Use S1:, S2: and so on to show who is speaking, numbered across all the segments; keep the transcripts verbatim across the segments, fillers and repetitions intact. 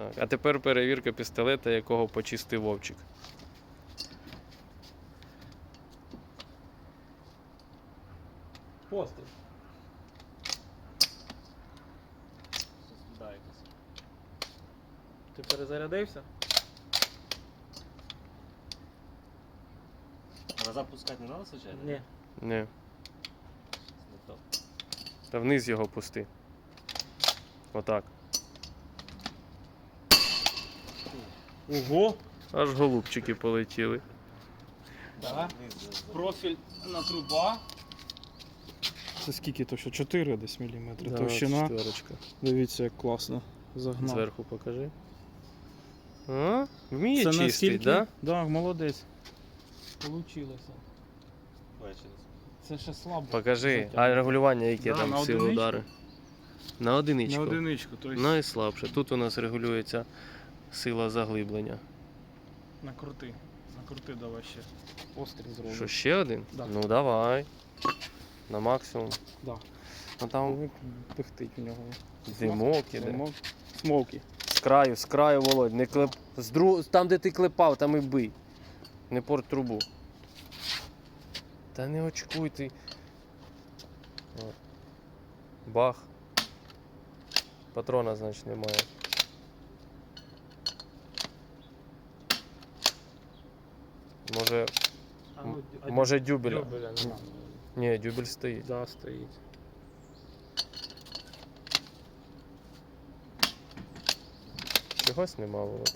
S1: Так. А тепер перевірка пістолета, якого почистив Вовчик.
S2: Постріл. Ти перезарядився?
S3: Назад пускати не треба, звичайно?
S2: Ні.
S1: Ні.
S3: Не то.
S1: Та вниз його пусти. Отак.
S2: Ого!
S1: Аж голубчики полетіли.
S2: Так.
S3: Вниз,
S2: Профіль на труба.
S4: Це скільки то що? чотири десь міліметри.
S1: Да,
S4: Товщина.
S1: четверочка.
S4: Дивіться, як класно загнав.
S1: Зверху покажи. А? Вміє
S4: Це
S1: чистить,
S4: наскільки?
S1: да?
S4: Да, молодець.
S2: Получилося.
S3: Бачите.
S2: Це ще слабо.
S1: Покажи.
S4: Затягнуто.
S1: А регулювання яке
S4: Да,
S1: там
S4: на
S1: сили
S4: одиничку.
S1: удари? На одиничку.
S4: На одиничку, тобто
S1: Найслабше. Тут у нас регулюється сила заглиблення.
S4: накрути. Накрути давай ще. Постріл зробимо.
S1: Що, ще один?
S4: Да.
S1: Ну давай. На максимум.
S4: Да.
S1: Ну там
S4: Там пихтить в нього.
S1: димок іде.
S4: Димок. Смокі.
S1: З краю, з краю, Володь. Не клеп... з дру... Там, де ти клепав, там і бий. Не порт трубу. Та не очкуй ти. О. Бах. Патрона, значить, немає. Може,
S2: А ну, а
S1: може дюбеля.
S2: дюбеля нема.
S1: Ні, дюбель стоїть.
S2: Да, стоїть.
S1: Чогось нема, Володь.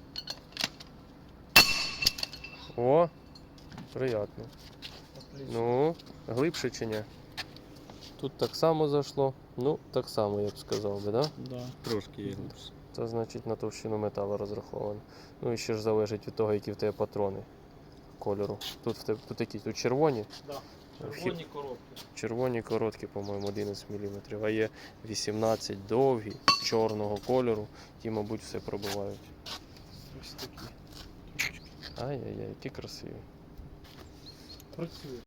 S1: О, приятно.
S2: Отлично.
S1: Ну, глибше чи ні? Тут так само зайшло. Ну, так само, я б сказав би, да?
S4: Да.
S3: Трошки є.
S1: Це значить на товщину металу розраховано. Ну і ще ж залежить від того, які в тебе патрони кольору. Тут в тебе тут які? Тут червоні.
S2: Да.
S1: Вхід-
S2: Червоні коробки.
S1: Червоні короткі, по-моєму, одинадцять міліметрів, а є вісімнадцять довгі, чорного кольору, ті, мабуть, все пробивають.
S4: Ось такі.
S1: Ай-яй-яй, які красиві.
S2: Працює.